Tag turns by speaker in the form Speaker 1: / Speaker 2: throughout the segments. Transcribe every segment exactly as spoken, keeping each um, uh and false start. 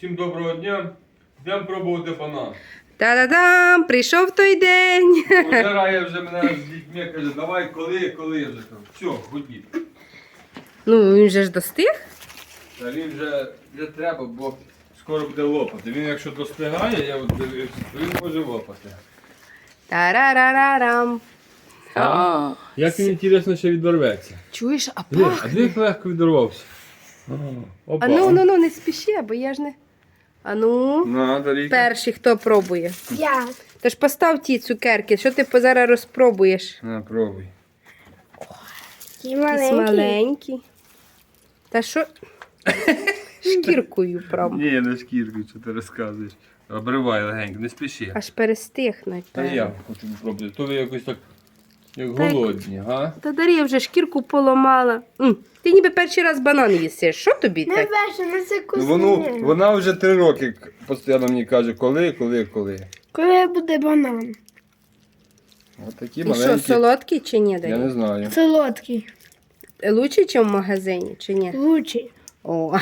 Speaker 1: Всім доброго дня. Йдемо пробувати банан.
Speaker 2: Та-да-дам! Прийшов той день.
Speaker 1: Пожирає вже мене з дітьми, каже, давай, коли, коли я вже кажу. Все, ходіть.
Speaker 2: Ну, він же ж достиг.
Speaker 1: Та він вже, вже треба, бо скоро буде лопати. Він якщо достигає, я от дивився, то він може лопати.
Speaker 2: Та-ра-ра-ра-рам.
Speaker 1: А? Як він, інтересно, ще відорветься.
Speaker 2: Чуєш, а
Speaker 1: Диви, а
Speaker 2: пахне.
Speaker 1: диви, як легко відорвався. Опа.
Speaker 2: А ну, ну, ну, не спіши, бо я ж не... А ну,
Speaker 1: На, Дарійка.
Speaker 2: перший, хто пробує?
Speaker 3: Я.
Speaker 2: Тож постав ті цукерки, що ти зараз розпробуєш?
Speaker 1: На, пробуй.
Speaker 3: Ті
Speaker 2: Якісь
Speaker 3: маленькі.
Speaker 2: маленькі. Та що? Шкіркою прям.
Speaker 1: Ні, не шкіркою, що ти розказуєш. Обривай легенько, не спіши.
Speaker 2: Аж перестихнуть.
Speaker 1: Та
Speaker 2: певно.
Speaker 1: я хочу спробувати. То ви якось так, як
Speaker 2: Так.
Speaker 1: голодні, га?
Speaker 2: Та Дар'я вже шкірку поламала. М, Ти ніби перший раз банан їсиш. Що тобі
Speaker 3: Не
Speaker 2: так?
Speaker 3: перше, на це
Speaker 1: Ну, воно,
Speaker 3: кусне.
Speaker 1: вона вже три роки постійно мені каже, коли, коли, коли.
Speaker 3: Коли буде банан?
Speaker 1: Ось такі
Speaker 2: І що,
Speaker 1: маленькі.
Speaker 2: солодкий чи ні,
Speaker 1: Я
Speaker 2: Дар'я?
Speaker 1: не знаю.
Speaker 3: Солодкий.
Speaker 2: Лучше, ніж в магазині, чи ні?
Speaker 3: Лучший.
Speaker 2: О,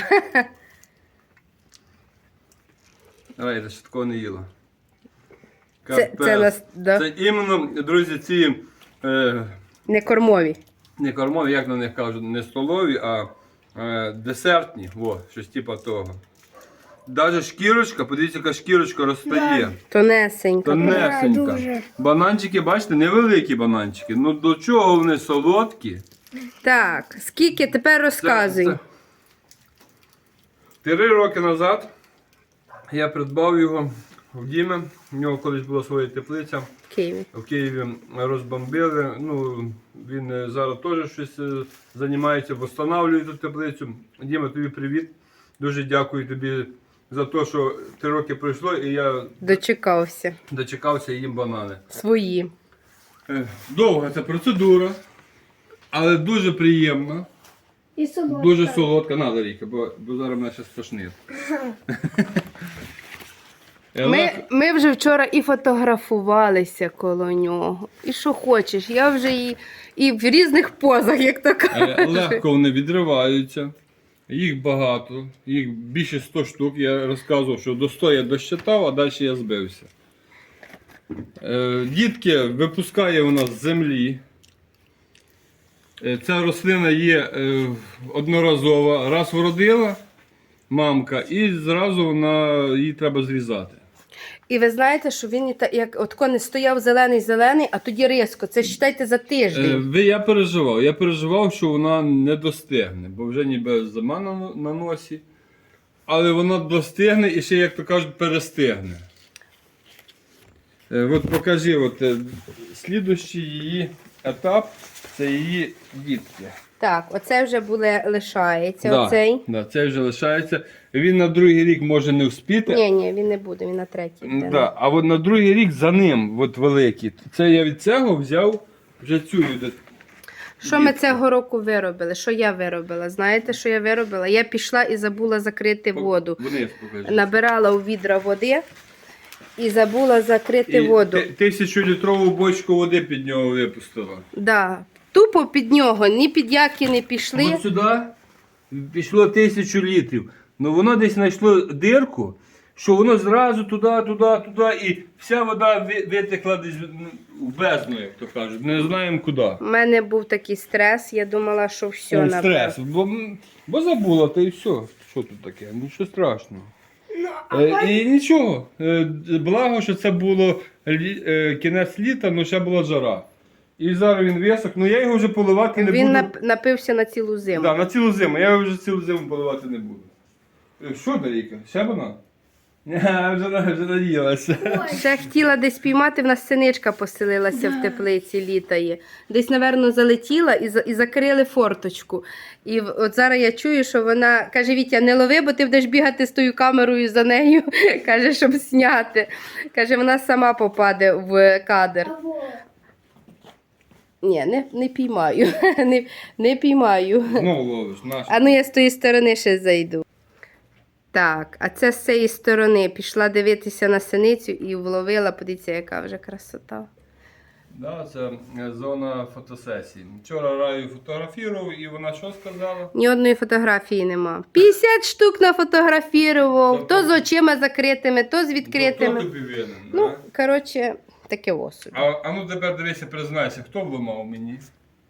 Speaker 1: Давай, я ще такого не їла.
Speaker 2: це, це
Speaker 1: Капець.
Speaker 2: нас, да?
Speaker 1: Це іменно, друзі, ці е,
Speaker 2: Не кормові.
Speaker 1: не кормові, як на них кажуть, не столові, а е, десертні. О, щось типу того. Навіть шкірочка, подивіться, яка шкірочка розстає.
Speaker 2: Тонесенька.
Speaker 1: Тонесенька.
Speaker 3: Да, дуже.
Speaker 1: Бананчики, бачите, невеликі бананчики. Ну до чого вони солодкі?
Speaker 2: Так, скільки тепер розказуй.
Speaker 1: Це- це- Три роки назад я придбав його в Дімі. У нього колись була своя теплиця.
Speaker 2: В Києві.
Speaker 1: В Києві розбомбили. Ну, він е, зараз теж щось е, займається, встановлює ту теплицю. Діма, тобі привіт. Дуже дякую тобі за те, що три роки пройшло і я
Speaker 2: Дочекався.
Speaker 1: дочекався їм банани.
Speaker 2: Свої.
Speaker 1: Е, Довга ця процедура, але дуже приємна.
Speaker 3: І солодкий.
Speaker 1: Дуже солодка, надо Ріка, бо, бо зараз мене ще стошнить.
Speaker 2: Ми, ми вже вчора і фотографувалися коло нього. І що хочеш. Я вже і, і в різних позах, як то
Speaker 1: Е,
Speaker 2: кажуть.
Speaker 1: Легко вони відриваються. Їх багато, їх більше ста штук. Я розказував, що до ста я досчитав, а далі я збився. Е, Дітки випускає вона з землі. Е, Ця рослина є е, одноразова. Раз вродила мамка, і зразу вона, її треба зрізати.
Speaker 2: І ви знаєте, що він і та- як от не стояв зелений-зелений, а тоді різко. Це считайте за
Speaker 1: Е,
Speaker 2: тиждень.
Speaker 1: ви- Я переживав. Я переживав, що вона не достигне, бо вже ніби зима на, на носі. Але вона достигне і ще, як то кажуть, перестигне. Е, от покажи, от, е, слідущий її етап це її дітки.
Speaker 2: Так, оце вже буде лишається.
Speaker 1: Да,
Speaker 2: Оцей.
Speaker 1: да, це вже лишається. Він на другий рік може не вспіти.
Speaker 2: Ні, ні, він не буде, він на третій буде.
Speaker 1: Да, а от на другий рік за ним, от великий. Це я від цього взяв вже цю. від-
Speaker 2: Що ми цього року виробили? Що я виробила? Знаєте, що я виробила? Я пішла і забула закрити воду.
Speaker 1: Вниз покажи.
Speaker 2: Набирала у відра води і забула закрити
Speaker 1: І
Speaker 2: воду.
Speaker 1: ти- Тисячолітрову бочку води під нього випустила.
Speaker 2: Да. Тупо під нього, ні під які не пішли.
Speaker 1: От сюди пішло тисячу літрів. Ну воно десь знайшло дирку, що воно зразу туди, туди, туди, і вся вода ви- витекла десь в бездну, як то кажуть. Не знаємо куди.
Speaker 2: У мене був такий стрес, я думала, що все
Speaker 1: Е,
Speaker 2: напевно.
Speaker 1: Стрес. Бо, м, бо забула, та і все. Що тут таке? Нічого страшного.
Speaker 3: Ну, а
Speaker 1: Е,
Speaker 3: потім-
Speaker 1: і нічого. Е, благо, що це було лі- е, кінець літа, але ще була жара. І зараз він висох, ну я його вже поливати не
Speaker 2: Він
Speaker 1: буду.
Speaker 2: нап- напився на цілу зиму.
Speaker 1: Да, на цілу зиму. Я його вже цілу зиму поливати не буду. Е, Що, Дарійка? Ще банан? Ні, вже, на- вже наїлася.
Speaker 2: Ще хотіла десь піймати, в нас синичка поселилася в теплиці, літає. Десь, напевно, залетіла і, за- і закрили форточку. І в- от зараз я чую, що вона каже: Вітя, не лови, бо ти будеш бігати з тою камерою за нею, каже, щоб зняти. Каже, вона сама попаде в кадр.
Speaker 3: А вот.
Speaker 2: Ні, не, не піймаю. не, не піймаю.
Speaker 1: Знову ловиш, наш.
Speaker 2: А ну я з тої сторони ще зайду. Так, а це з цієї сторони пішла дивитися на синицю і вловила, подивіться, яка вже красота.
Speaker 1: Да, це е, зона фотосесії. Вчора Раю фотографував і вона що сказала?
Speaker 2: Ні одної фотографії нема. п'ятдесят штук нафотографував, то з очима закритими, то з
Speaker 1: Хто
Speaker 2: відкритими.
Speaker 1: тобі винен?
Speaker 2: Ну,
Speaker 1: да?
Speaker 2: коротше, таке осуд.
Speaker 1: А, а ну тепер дивися, признайся, хто вламав мені?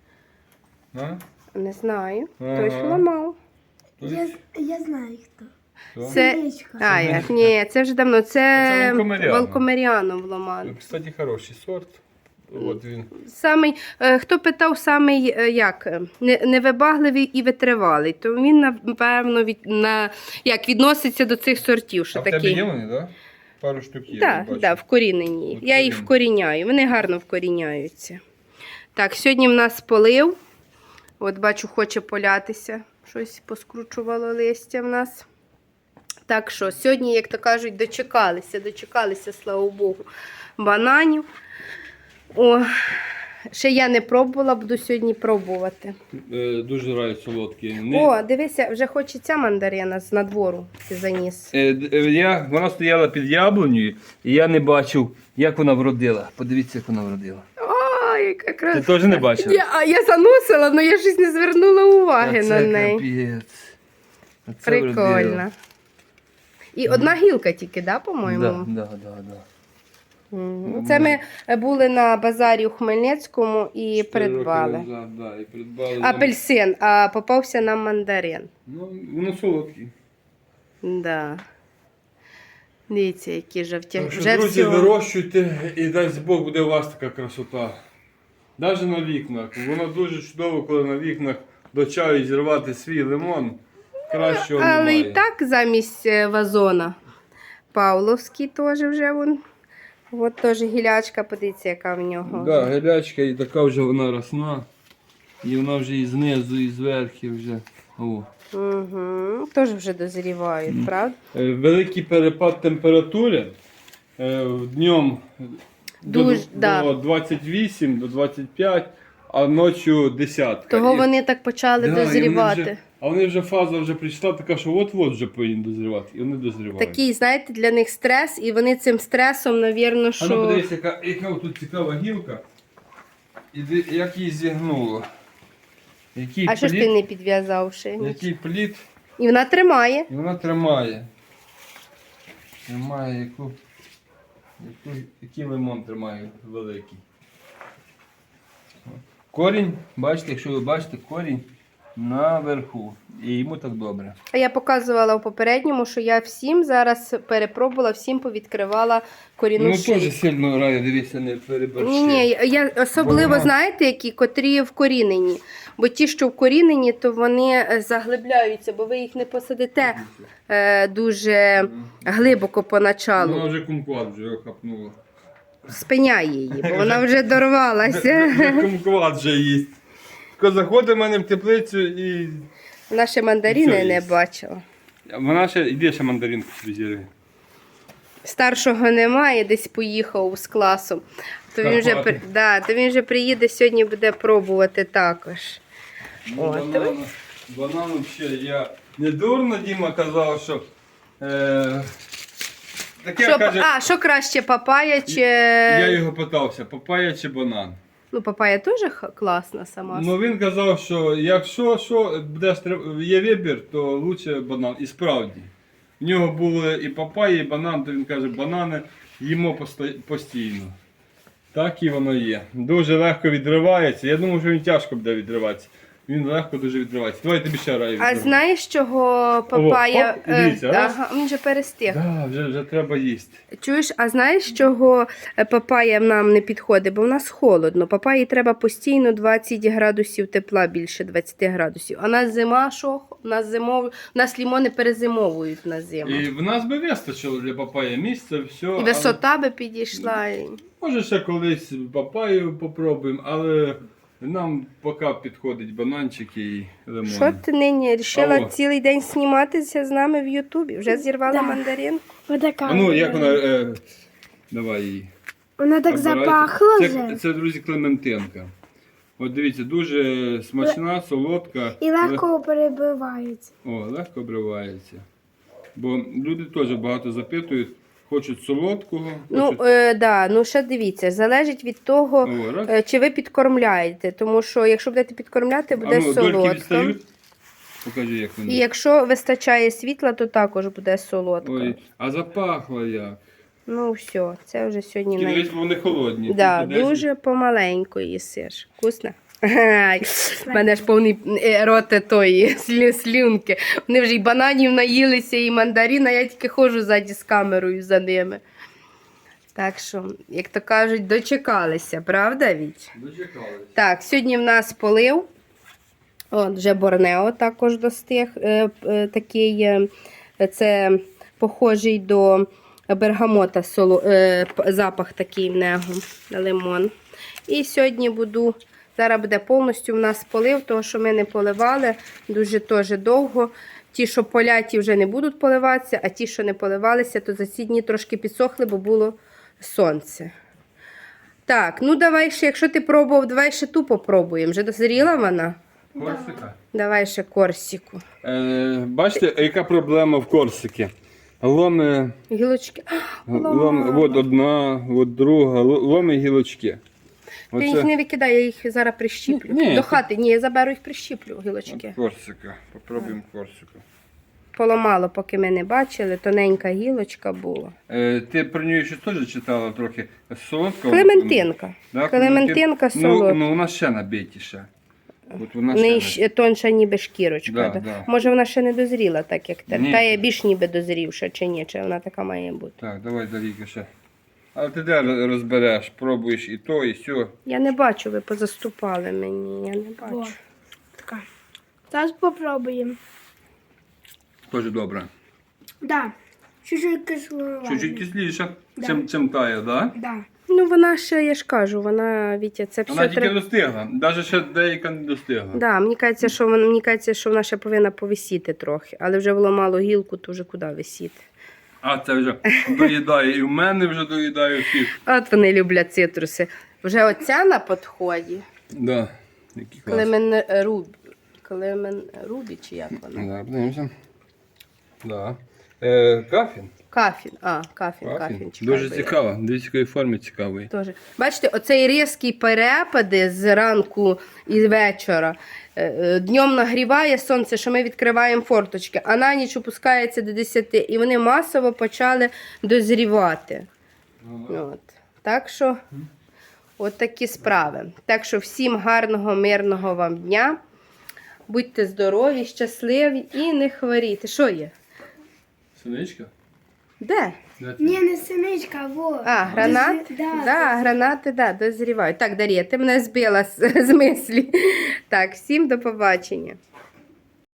Speaker 1: А?
Speaker 2: Не знаю.
Speaker 1: Ага.
Speaker 2: Хтось ламав.
Speaker 1: Хтось?
Speaker 3: Я, я знаю хто.
Speaker 1: Хто?
Speaker 2: Це.
Speaker 3: Синичка.
Speaker 2: А, як? Ні, це вже давно. Це,
Speaker 1: Це Волкомеряно.
Speaker 2: Волкомеряно вламали.
Speaker 1: Кстати, хороший сорт. От він.
Speaker 2: Самий, е, хто питав, самий е, як, е, не- невибагливий і витривалий, то він, напевно, від, на, як, відноситься до цих сортів. Що
Speaker 1: А в тебе
Speaker 2: такі...
Speaker 1: є вони, так? Да? Пару штук є.
Speaker 2: Так,
Speaker 1: я бачу.
Speaker 2: да, вкорінені. Я їх вкоріняю, вони гарно вкоріняються. Так, сьогодні в нас полив. От бачу, хоче полятися. Щось поскручувало листя в нас. Так що, сьогодні, як то кажуть, дочекалися, дочекалися, слава Богу, бананів. О, ще я не пробувала, буду сьогодні пробувати.
Speaker 1: Е, дуже рай солодкі. Не...
Speaker 2: О, дивися, вже хочеться мандарина з надвору ти заніс.
Speaker 1: Е, д- е, я, вона стояла під яблунею, і я не бачив, як вона вродила. Подивіться, як вона вродила.
Speaker 2: Ой, яка краса.
Speaker 1: Ти теж не бачила?
Speaker 2: Я, а я заносила, але я щось не звернула уваги
Speaker 1: Оце
Speaker 2: на неї.
Speaker 1: капець. Оце вродила.
Speaker 2: Прикольно. І одна гілка тільки, да, по-моєму?
Speaker 1: Да, да, да, да.
Speaker 2: Мгм. Це ми були на базарі у Хмельницькому і придбали.
Speaker 1: Чотири роки назад, да, і придбали.
Speaker 2: Апельсин, а попався нам мандарин.
Speaker 1: Ну, воно солодкий.
Speaker 2: Да. Дивіться, які жовті.
Speaker 1: Так що,
Speaker 2: Вже
Speaker 1: друзі,
Speaker 2: всього.
Speaker 1: вирощуйте і дасть Бог буде у вас така красота. Навіть на вікнах. Воно дуже чудово, коли на вікнах до чаю зірвати свій лимон. Кращого
Speaker 2: Але
Speaker 1: немає.
Speaker 2: і так замість е, вазона. Павловський теж вже вон. От теж гілячка, подивіться, яка в нього.
Speaker 1: Да, гелячка і така вже вона росна. І вона вже і знизу, і зверху вже. О.
Speaker 2: Угу. Теж вже дозрівають, правда?
Speaker 1: Е, Великий перепад температури. Е, Днем до,
Speaker 2: Дуже,
Speaker 1: до
Speaker 2: да.
Speaker 1: двадцять вісім, до двадцять п'ять, а ночі десятка.
Speaker 2: Того
Speaker 1: І-
Speaker 2: вони так почали
Speaker 1: Да, і вони
Speaker 2: дозрівати.
Speaker 1: вже- а вони вже фаза вже прийшла така, що от-от вже повинні дозрівати. І вони дозрівають.
Speaker 2: Такий, знаєте, для них стрес, і вони цим стресом, навірно,
Speaker 1: А ну
Speaker 2: що.
Speaker 1: подивись, яка, яка тут цікава гілка. І ди- як її зігнуло. Який
Speaker 2: А що ж
Speaker 1: плід,
Speaker 2: ти не підв'язав ще?
Speaker 1: який плід,
Speaker 2: І вона тримає.
Speaker 1: і вона тримає. Тримає яку, яку, який лимон тримає великий. Корінь, бачите, якщо ви бачите, корінь наверху. І йому так добре.
Speaker 2: А я показувала у попередньому, що я всім зараз перепробувала, всім повідкривала корінну
Speaker 1: Ну
Speaker 2: шийку.
Speaker 1: теж сильно раю, дивіться, не переборщи.
Speaker 2: Ні, ні, я особливо,
Speaker 1: Вона-
Speaker 2: знаєте, які, котрі вкорінені. Бо ті, що вкорінені, то вони е, заглибляються, бо ви їх не посадите е, дуже глибоко поначалу.
Speaker 1: Вона вже кумкват вже хапнула.
Speaker 2: Спиняє її, бо вона вже дорвалася.
Speaker 1: Вже кумкват вже їсть. Тільки заходить в мене в теплицю і...
Speaker 2: Вона ще мандарини
Speaker 1: Все
Speaker 2: не
Speaker 1: їсть.
Speaker 2: бачила.
Speaker 1: Вона ще, іди ще мандаринку собі зірви.
Speaker 2: Старшого немає, десь поїхав з класом. То він, вже,
Speaker 1: Карпати.
Speaker 2: при- да, то він вже приїде сьогодні, буде пробувати також.
Speaker 1: Ну,
Speaker 2: О,
Speaker 1: банан, банан взагалі, я не дурно Діма казав, що... Е, таке
Speaker 2: Що,
Speaker 1: каже,
Speaker 2: а, що краще, папая чи.
Speaker 1: я його питався, папая чи банан.
Speaker 2: Ну, папая теж х- класна сама.
Speaker 1: Ну він казав, що якщо що, будеш, треб- є вибір, то лучше банан. І справді. В нього були і папайя, і банан, то він каже, банани їмо посто- постійно. Так і воно є. Дуже легко відривається. Я думаю, що він тяжко буде відриватися. Він легко дуже відривається. Давай я тобі ще раю.
Speaker 2: А
Speaker 1: відриву.
Speaker 2: знаєш, чого папая.
Speaker 1: хоп, і дивіться,
Speaker 2: е,
Speaker 1: раз.
Speaker 2: ага, він вже перестиг.
Speaker 1: Да, вже, вже треба їсти.
Speaker 2: Чуєш, а знаєш, чого е, папая нам не підходить? Бо в нас холодно. Папаї треба постійно двадцять градусів тепла, більше двадцять градусів. А нас зима, що? У нас зимов... у нас лімони перезимовують на зиму.
Speaker 1: І
Speaker 2: І,
Speaker 1: в нас би вистачило для папaya місця, все. але-
Speaker 2: висота би підійшла. і-
Speaker 1: Може ще колись папаю попробуємо, але нам поки підходить бананчики і лимон.
Speaker 2: Що ти нині рішила
Speaker 1: Алло.
Speaker 2: цілий день зніматися з нами в Ютубі? Вже зірвала
Speaker 3: Да.
Speaker 2: мандарин?
Speaker 3: Отака.
Speaker 1: А ну, як вона. Е, давай її.
Speaker 3: Вона так
Speaker 1: Обирайте.
Speaker 3: запахла
Speaker 1: Це,
Speaker 3: вже.
Speaker 1: це, друзі, клементинка. От дивіться, дуже смачна, солодка.
Speaker 3: І легко перебивається.
Speaker 1: О, легко обривається. Бо люди теж багато запитують, Хочуть солодкого.
Speaker 2: Ну,
Speaker 1: хочуть...
Speaker 2: е, да, ну ще дивіться, залежить від того,
Speaker 1: О, раз.
Speaker 2: е, чи ви підкормляєте. Тому що якщо будете підкормляти, буде
Speaker 1: а ну, дольки
Speaker 2: солодко.
Speaker 1: відстають. Покажи, як вони.
Speaker 2: І якщо вистачає світла, то також буде солодко.
Speaker 1: Ой, а запахло як.
Speaker 2: Ну все, це вже сьогодні
Speaker 1: Тільки
Speaker 2: най...
Speaker 1: дивись, бо вони холодні.
Speaker 2: Да,
Speaker 1: Тільки десь-
Speaker 2: дуже помаленьку їсиш. Вкусно? Ай, в мене ж повний е, рот тої слю- слюнки. Вони вже і бананів наїлися, і мандарина, я тільки ходжу ззаді з камерою за ними. Так що, як то кажуть, дочекалися, правда, Віть?
Speaker 1: Дочекались.
Speaker 2: Так, сьогодні в нас полив. От, вже Борнео також достиг. Е, е, такий, е, це похожий до бергамота, соло, е, п- запах такий в нього, лимон. І сьогодні буду, зараз буде повністю в нас полив, тому що ми не поливали дуже теж довго. Ті, що поляті, вже не будуть поливатися, а ті, що не поливалися, то за ці дні трошки підсохли, бо було сонце. Так, ну давай ще, якщо ти пробував, давай ще ту попробуємо. Вже дозріла вона?
Speaker 1: Корсика.
Speaker 2: Давай ще корсику.
Speaker 1: Е, бачите, яка проблема в Корсикі? Ломи,
Speaker 2: Гілочки.
Speaker 1: лом, от одна, от друга, л- ломи гілочки.
Speaker 2: Ти їх не викидай, я їх зараз прищіплю.
Speaker 1: Ні,
Speaker 2: До
Speaker 1: ти-
Speaker 2: хати, ні, я заберу їх прищіплю, гілочки.
Speaker 1: Корсика. Попробуємо Корсику.
Speaker 2: Поламало, поки ми не бачили, тоненька гілочка була.
Speaker 1: Е, ти про нього ще теж читала трохи солодкого?
Speaker 2: Клементинка.
Speaker 1: Да,
Speaker 2: Клементинка
Speaker 1: Ну,
Speaker 2: солодка.
Speaker 1: ну, вона ще набитіша. От вона
Speaker 2: В неї
Speaker 1: ще
Speaker 2: ще тонша ніби шкірочка.
Speaker 1: Да,
Speaker 2: да.
Speaker 1: да.
Speaker 2: Може вона ще не дозріла, так як те.
Speaker 1: Ні.
Speaker 2: Та є більш ніби дозрівша, чи ні, чи вона така має бути.
Speaker 1: Так, давай, Дарійка, ще. Але ти де розбереш, пробуєш і то, і сьо.
Speaker 2: Я не бачу, ви позаступали мені, я не бачу.
Speaker 3: Во. Така. Зараз попробуємо.
Speaker 1: Теж добре.
Speaker 3: Да. Чуть-чуть кисло.
Speaker 1: Чуть-чуть кисліше,
Speaker 3: Да.
Speaker 1: чим, чим тає, да?
Speaker 3: Да.
Speaker 2: Ну вона ще, я ж кажу, вона, Вітя, це
Speaker 1: Вона
Speaker 2: все
Speaker 1: тільки
Speaker 2: треба.
Speaker 1: достигла, навіть ще деяка не достигла.
Speaker 2: Да, мені кажеться, що вона, мені кажеться, що вона ще повинна повисіти трохи, але вже вламало гілку, то вже куди висіти.
Speaker 1: А це вже доїдає, і в мене вже доїдає всіх.
Speaker 2: От вони люблять цитруси. Вже оця на підході.
Speaker 1: Да. Які клас.
Speaker 2: Клемен Рубі. Клемен Рубі, чи як вона?
Speaker 1: Да, подивимося. Да. Е, кафін.
Speaker 2: Кафін. А, кафін, кафін.
Speaker 1: Кафін.
Speaker 2: чекай,
Speaker 1: Дуже
Speaker 2: бо я-
Speaker 1: цікаво. Дивіться, якої форми цікавий.
Speaker 2: Тоже. Бачите, оцей різкі перепади з ранку і вечора. Е, е, Днем нагріває сонце, що ми відкриваємо форточки, а на ніч опускається до десяти. І вони масово почали дозрівати. От. Так що, от такі справи. Так що всім гарного, мирного вам дня. Будьте здорові, щасливі і не хворійте. Що є?
Speaker 1: Синичка?
Speaker 2: Де?
Speaker 3: Ні, не синичка, а во.
Speaker 2: А, гранат?
Speaker 3: Дози- Да,
Speaker 2: Да, гранати, да, дозрівають. Так, Дар'я, ти мене збила з, з мислі. Так, всім до побачення.